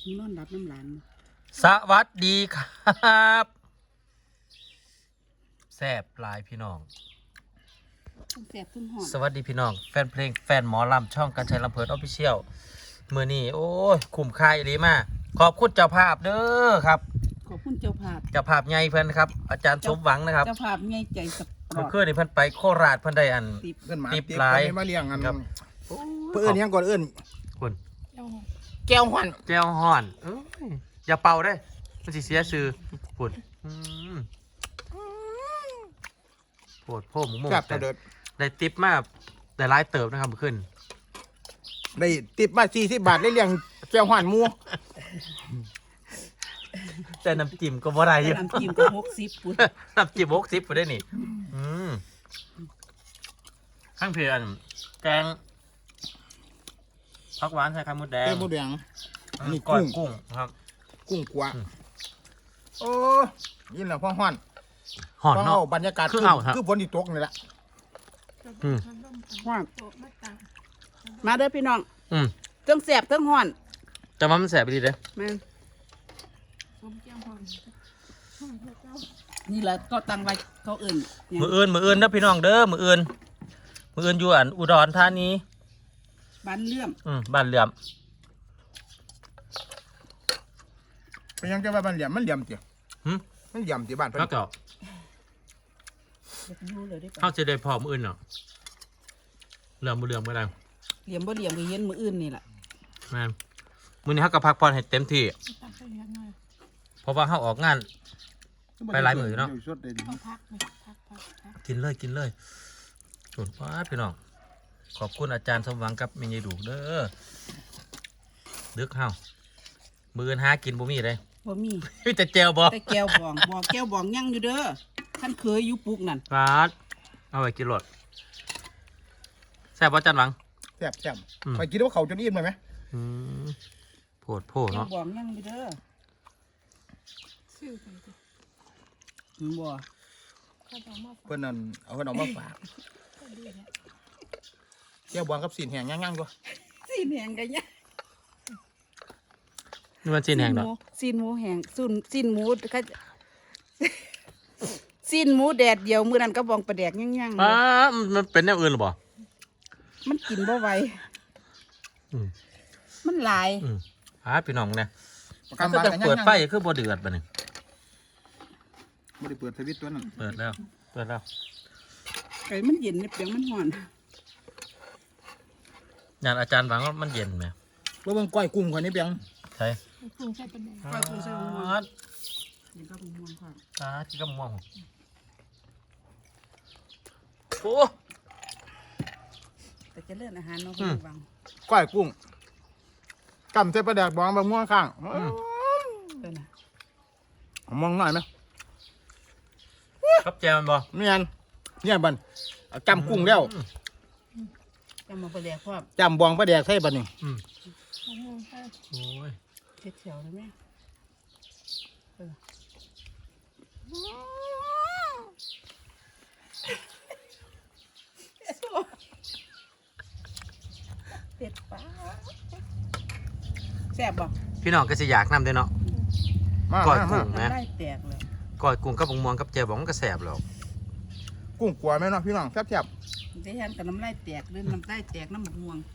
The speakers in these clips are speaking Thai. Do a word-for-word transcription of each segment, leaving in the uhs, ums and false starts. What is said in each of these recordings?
มึงนอนรับน้ำหลานสวัสดีครับแซ่บลายพี่น้องแสบทุ่งหอมสวัสดีพี่น้องแฟนเพลงแฟนหมอลำช่องการชัยลำเพลินออฟฟิเชียลมือนี้โอ้ยคุ้มค่าอีหลีมากขอบคุณเจ้าภาพเด้อครับขอบคุณเจ้าภาพเจ้าภาพใหญ่เพิ่นครับอาจารย์สมหวังนะครับเจ้าภาพไงใจสปอเมื่อร์ตคืนนี่เพิ่นไปโคราชเพิ่นได้อันติบเอื้อนหมาติ๊บติ๊บหลายมาเลี้ยงกันครับเพื่อนยังก่อนเอื้อนคุณแก้วหวันแก้วห่อนเอ้ยอย่าเป่าได้อมันสิเสียชื่อคุณอืมโผดโพ่หมูหมูแซ่บแต่เด็ดได้ติปมาได้หลายเติบนะครับเมื่อคืนได้ติ๊บมาสี่สิบบาทได้เลี้ยงแก้วหวันหมูแต่น้ำจิ้มก็บ่ได้อยู่น้ำจิ้มก็หกสิบปุ่นน้ำจิ้มหกสิบไปได้นี่อืมข้างเพียนแกงผักหวานใส่ไข่มดแดงเต้มหมูแดงอืมนี่ก้อยกุ้งกุ้งครับกุ้งกัวอืมโอ้ยินแล้วพ่อห้อนห่อนพ่อเนาะเอาบรรยากาศคือเอาครับคือฝนที่ตกนี่แหละอืมว่ามาเด้อพี่น้องอืมเทั้งแสบเทั้งห่อนแต่ว่ามันแสบไปดีเด้อแม่นนี่แหละก็ตั้งไว้เขาเอื่นเนี่ยมืออื่นมืออื่นนะพี่น้องเด้อมืออื่นมืออื่นอยู่อันอุดรธานีบ้านเลื่อมอืมบ้านเหลื่อมเป็นยังจะว่ามันเหลี่ยมมันเหลี่ยมเจียวหึมันเหลี่ยมที่บ้านเพิ่นแล้วก็เดี๋ยวอยู่เลยได้ปะเข้าจะได้พอมืออื่นเนาะเหลื่อมมือเหลื่อมก็ได้เหลี่ยมบ่เหลี่ยมก็เห็นมืออื่นนี่แหละแม่นมือนี้เขาก็พักผ่อนให้เต็มที่เพราะว่าเขาออกงาน ไปหลายมื้อเนาะสดเลยดิกินเลยกินเลยส่วนป้าดพี่น้องขอบคุณอาจารย์สมหวังกับเมยายดูเด้อดึกเฮามืออนหากินบ่มีเลยบ่มีมีแต่แจวบ่แต่แก้วบองบอกแก้วบองยังอยู่เด้อท่านเคยอยู่ปุกนั่นป้าดเอาไปกินรถแซ่บบ่อาจารย์หวังแซ่บแซ่บอืมไปกินว่าเขาจนอิ่มเลยไหมอืมโพดโพดแก้วเนาะบองยังอยู่เด้ออืมบ่เพิ่นนั่นเอาเพิ่นเอามาฝากแก้วบวงกับสีนแห้งย่างๆด้วยซีนแหงกันเนี่ยนี่มันจีนแห้งดอกซีนหมูแหงซุนซีนหมูเขาซีนหมูแดดเดียวมื้อนั้นก็บองปลาแดกย่างๆเลป้าย ดมันเป็นแนวอื่นหรือบ่มันกินบ่ไหวอืมมันหลายอืมหาพี่น้องเนี่ยประก็กันบ้านจะกันเปิดย่างๆไฟคือบ่เดือดบัดนี้ไม่ได้เปิดสวิตช์ตัวนั้นเปิดแล้วเปิดแล้วไก่มันเย็นในเปียงมันห่อนงานอาจารย์หวังว่ามันเย็นไหมว่าเบิ่งก้อยกุ้งคนนี้เพียงใช่ก้อยกุ้งใส่มะม่วงนี่ก็มะม่วงค่ะอ่าที่ก็ม่วงโอ้แต่จะเลื่อนอาหารเนาะอืคุณมวังก้อยกุ้งกำใส่ปลาแดกบองบะม่วงข้างเออนะมองหน่อยไหมครับแจมันบ่เมียนเนี่ยบันเอาจำกุ้งแล้วจะมาปลาแดกพร้อมจำบองปลาแดกใส่บันนี่อืมโอ้ยเช็ดเฉียวเลยแม่เออเผ็ดปะแซ่บบ่พี่น้องก็สิอยากนำเด้อเนาะมาก้อยมากุ้มางมันได้แตกเลยก้อยกุ้งกับบักม่วงกับแจวบองมันก็แสบแล้วกุ้งกลัวไหมเนาะพี่น้องแซ่บได้ยันกับน้ำลายแตกหรือน้ำลายแตกน้ำหมกม่วง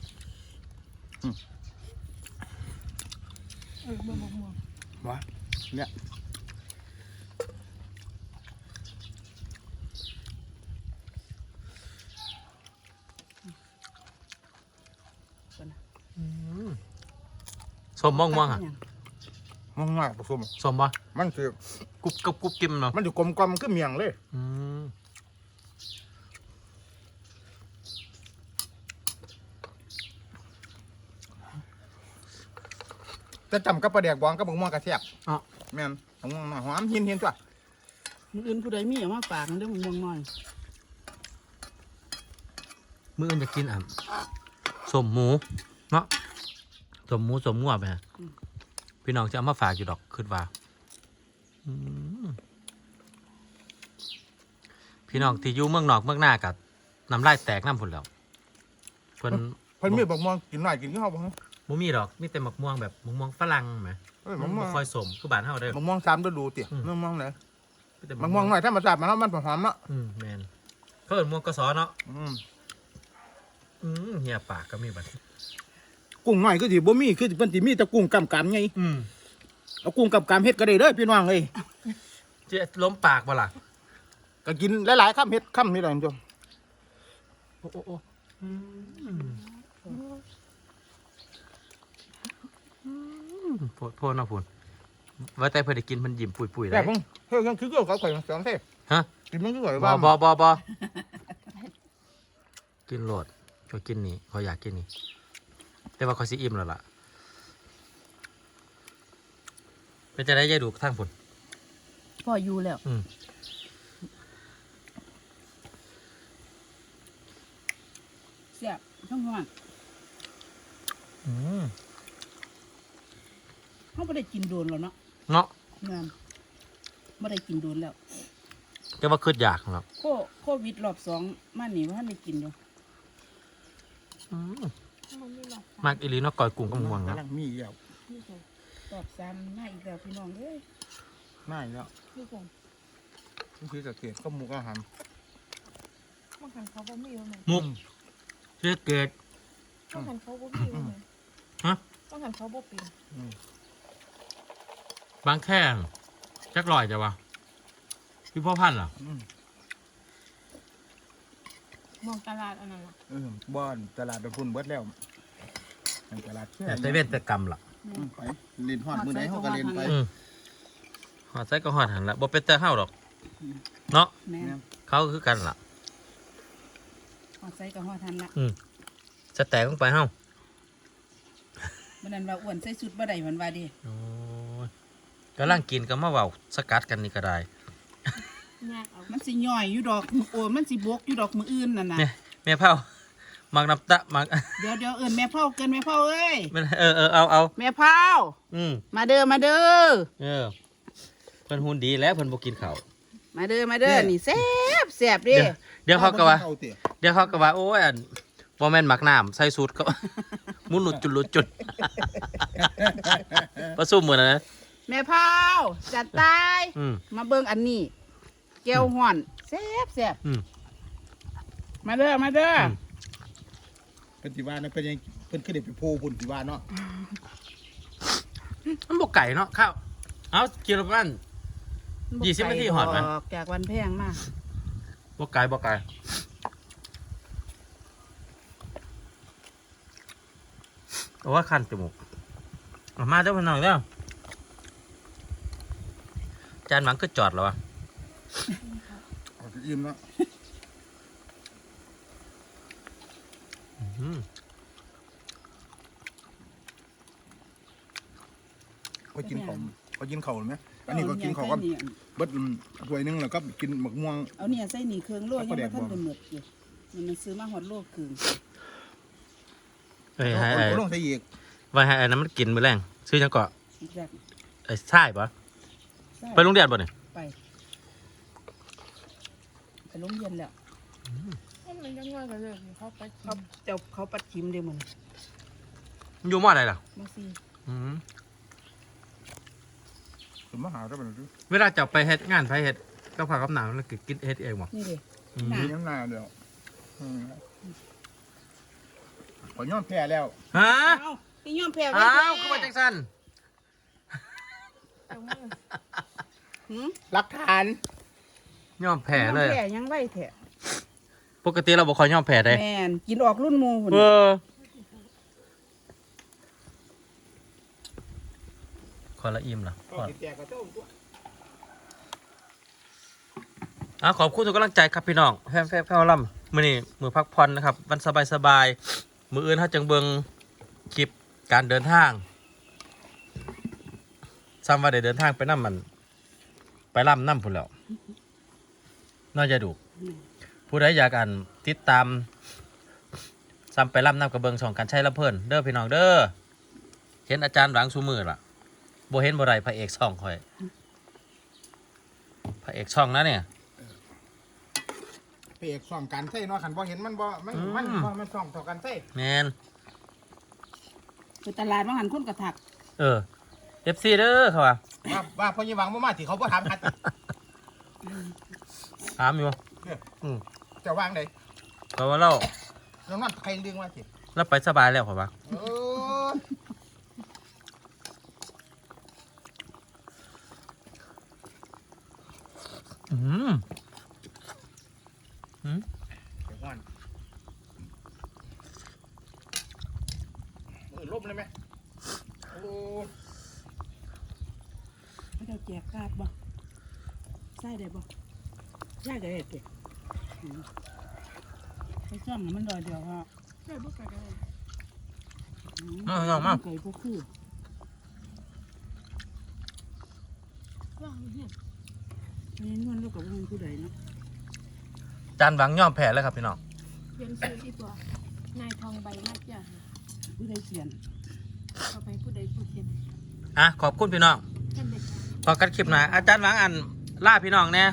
ๆวะเนี่ยสมม่วงม่วงอ่ะมองง่ายผสมสมบ่มันคือกรุบกับกรุบกิมเนาะมันอยู่กลมกลมๆคือเมียงเลยอืมจะจำกับปลาแดกบองกับบะม่วงกระแซ่บอ๋อแม่นบะม่วงหน่อยหอมเห็นเห็นตัวมื้ออื่นผู้ใดมีเอามาฝากเด้อหมกม่วงน้อยมื้ออื่นจะกินอ่ะสมหมูเนาะสมหมูสมงัวไปฮะพี่น้องจะเอามาฝากอยู่ดอกคิดว่าอืมพี่น้องที่อยู่เมืองนอกเมืองหน้ากับน้ำลายแตกน้ำผุนแล้วเพิ่นเพิ่นมีบะม่วงกินหน่อยกินข้าวบ้างบบ่มีดอกมีแต่มะม่วงแบบมะม่วงฝรั่งไหมเอ้ยมัมะนม่วบ่งค่อยสมคือบ้านเฮาเด้อมะม่วงสามฤดูเตี่ยอืมมะม่วงไหนมีแต่มะม่วงหน่อยถ้ามาจับมาแล้วมันหอมเนาะอืมแม่นเขาเอิ้นม่วงกสอเนาะอืมอืมเหี่ยปากก็มีบัดกุ้งหน่อยคือสิบ่มีคือสิเพิ่นสิมีแต่กุ้งกำกำไงอืมเอากุ้งกำกำเฮ็ดก็ได้เด้อพี่น้องเอ้ยจะล้มปากบ่ล่ะก็กินหลายๆคำเฮ็ดคำนี่แหละคุณผู้ชมโอ้โอ้โอ้อืมโพดโพดเนาะพุ่นว่าแต่เพิ่นได้กินเพิ่นยิ้มปุยๆแต่ได้ผมเฮ้ยยังคือเกี่ยวกับข่อยสองเท่ฮะกินมันคือข่อยบว่าอบอบอบอกินโหลดช่วยกินนี่เขาอยากกินนี่แต่ว่าเขาสิอิ่มแล้วล่ะเป็นจะได้ยายดูกทั้งผลพ่ออยู่แล้วอืมเสียบทั้งห้องอืมเขาไม่ได้กินโดนแล้วเนาะเนาะงานไม่ได้กินโดนแล้วแต่ว่าคืดอยากครับโคโควิดรอบสองมาหนีว่าท่านได้กินอยู่อืมมากอีหลีเนาะก่อยกุ้งกับม่วงนะกำลังมีอีกแล้วรอบสามมาอีกแล้วพี่น้องเอ้ยน่าอีกแล้วนี่คือจะเกตก็หมูก็หำบางครั้งเขาบ่มีอยู่ไหมมุกเชื่อเกตบางครั้งเขาบ่มีอยู่ไหมฮะบางครั้งเขาบ่เป็นบางแค่จักลอยจ้ะวะพี่พ่อพันธุ์เหรออืมมองตลาดอันนั้นล่ะเออบ้านตลาดไปพุ่นเบิดแล้วในตลาดแค่แต่แต่เว้นแต่กรรมล่ะอืมไปเล่นฮอดมือไหนเขาก็เล่นไปอืมหอดใส่ก็หอดหันละบ่เป็นแต่เฮาดอกเนาะแม่เขาคือกันล่ะหอดใส่กับหอดทันละสแต็กลงไปเฮามันนั้นว่าอ้วนใส่สุดบ่ได้มันว่าดิโอ้ยกำลังกินก็มาเว้าสกัดกันนี่ก็ได้ยากเอามันสิย่อยอยู่ดอกโอ้ยมันสิบกอยู่ดอกมืออื่นนั่นน่ะเนี่ยแม่เผามักน้ำตะมักเดี๋ยวเดี๋ยวเอินแม่เผาเกินแม่เผาเอ้ยมันเออเออเอาเอาแม่เผาอืมมาเด้อมาเด้อเออเพิ่นหุ่นดีแล้วเพิ่นบ่กินข้าวมาเด้อมาเด้อนี่แซ่บแซ่บดิเดี๋ยวเดี๋ยวเขาก็ว่าเอเตี๋ยเดี๋ยวเขาก็ว่าโอ้ยอันบ่แม่นหมักน้ำใส่สูตรก็ มุนหลุดจุดหลุดจุด ประสุมมื้อนั้นนะแม่เผาจัดตายอืมมาเบิ่งอันนี้แก้วห่อนแซ่บแซ่บอืมมาเด้อมาเด้ออมเพิ่นสิว่านะเพิ่นยังเพิ่นคือได้ไปโพพุ่นสิว่าเนาะมันบ่ไก่เนาะข้าวเอากินละมัน ยี่สิบนาทีหอดไหมกจากวันแพงมากบ่ไก่บ่ไก่โอ้ว่าคันจมูกเอามาเจ้าพี่น้องเด้อจานหวังก็จอดแล้ววะเอาสิอิ่มเนาะอืมเขากินของเขากินข้าวไหมอันนี้ก็กินข้าวก็เบิดอืมถ้วยหนึงแล้วก็กินหมกม่วงเอาเนี่ยใส่หนีเครื่องโลเอายังปลาแดไม่กทันบ่ได้หมดอยู่มันมันซื้อมาหอดโลครึ่งเอ้ยเอาให้ไอ้เอาลงใส่อีกไว้ให้ไอ้นั้นมันกินมื้อแรงซื้อจังเกาะอีกแบบไอ้ใช่ปะใช่ไปโรงเรียนบ่เนี่ยไปไปโรงเรียนแล้วมันมันยังง่ายกันเลยเขาไปกิเขานเจ้าเขาปัดชิมเด้มันมันอยู่มออะไรล่ะมาซีอืมสมมาหาได้บ่ล่ะเวลาจะไปเฮ็ดงานไปเฮ็ดก็พากับหนังแล้วก็กินเฮ็ดเองบ่นี่เด้อืมหนัมีน้ำหน้าเดียวอืมขอยอมแพ้แล้วฮะเอ้าพี่ยอมแพ้ไว้อ้าวแท้ก็มาจังซั่นเอามือหืมหลักฐานยอมแพ้เลยอมแพ้ยังไว้แท้ปกติเราบ่ค่อยยอมแพ้ได้แม่นกินออกรุ่นหมูหุ่นเออขอละอิ่มล่ะขอแจกกับเจ้าตัวอ่ะขอบคุณทุกกำลังใจครับพี่น้องแฟนแฟนแฟนลำมื้อนี้มื้อพักผ่อนนะครับวันสบายๆมื้ออื่นเฮาจังเบิ่งคลิปการเดินทางซ้ำว่าได้เดินทางไปนำมัน ไปลำนำพุ่นแล้วน่าจะดูผู้ใดอยากอ่านติดตามซ้ำไปลำนำกระเบิงช่องกันใช้ลำเพิ่นเด้อพี่น้องเด้อเห็นอาจารย์หลังซูมือล่ะบ่เห็นบ่ไรพระเอกช่องคอยพระเอกช่องนะเนี่ยพระเอกส่องกันใส่เนาะคันบ่เห็นมันบ่มันอืมมันบ่มันส่องต่อกันใส่แมนไปตลาดมาหันคนกระถักเออเอฟซีเด้อเขาว่าว่าว่าพ่อยี่หวังมามาที่เขาบ่ถามหาถามอยู่อืมจะวางได้เขาว่าเราน้องนั่นใครดึงมาสิเราไปสบายแล้วเขาว่าเอออืมอืมเดี๋ยวก่อนมือลบเลยไหมโอ้ไม่ได้แจกกาดบ่ใส่ได้บ่ใส่ได้เด็กไปซ่อมมันดอยเดียวฮะใช่บ่ไปได้มาเอามาไก่พวกคือว่างเห็นนี่นวลลูกกับมันผู้ใดเนาะจานหวังย่อมแพ้แล้วครับพี่น้องเปลี่ยนชื่ออีกว่านายทองใบมากจ้ะผู้ใดเขียนเอาไปผู้ใดผู้เขียนอ่ะขอบคุณพี่น้องท่านเด็กพอกันคลิปหน้าอาจารย์หวังอันล่าพี่น้องแน่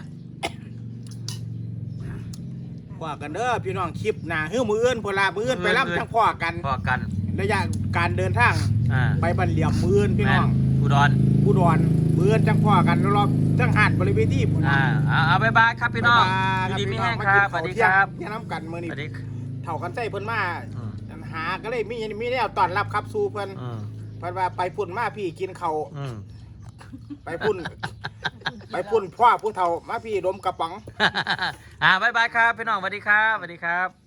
ว่ากันเด้อพี่น้องคลิปหน้าฮื้อมืออื่นพลามืออื่นไปรับจังพ่อกันพอกันระยะการเดินทางอ่าไปบันเหลี่ยมมืออื่นพี่แม่น้องนอุดรผู้ดอนมืออื่นจังพ่อกันรอบๆจังหาดบริเวณที่ผมอ่าเอาเอาบายบายครับพี่น้องอยู่ดีไม่แห้งครับสวัสดีครับเนี่ยน้ำกันมือสนี่วัสดีเท่ากันใจเพิ่นมาอืมหาก็เลยมีมีแนวต้อนรับครับสู่เพิ่นอืมเพิ่นว่าไปพุ่นมาพี่กินข้าวอืมไปพุ่น ไปพุ่นพ่อผู้เฒ่ามาพี่ดมกระป๋องอ่าบายบายครับพี่น้องสวัสดีครับสวัสดีครับ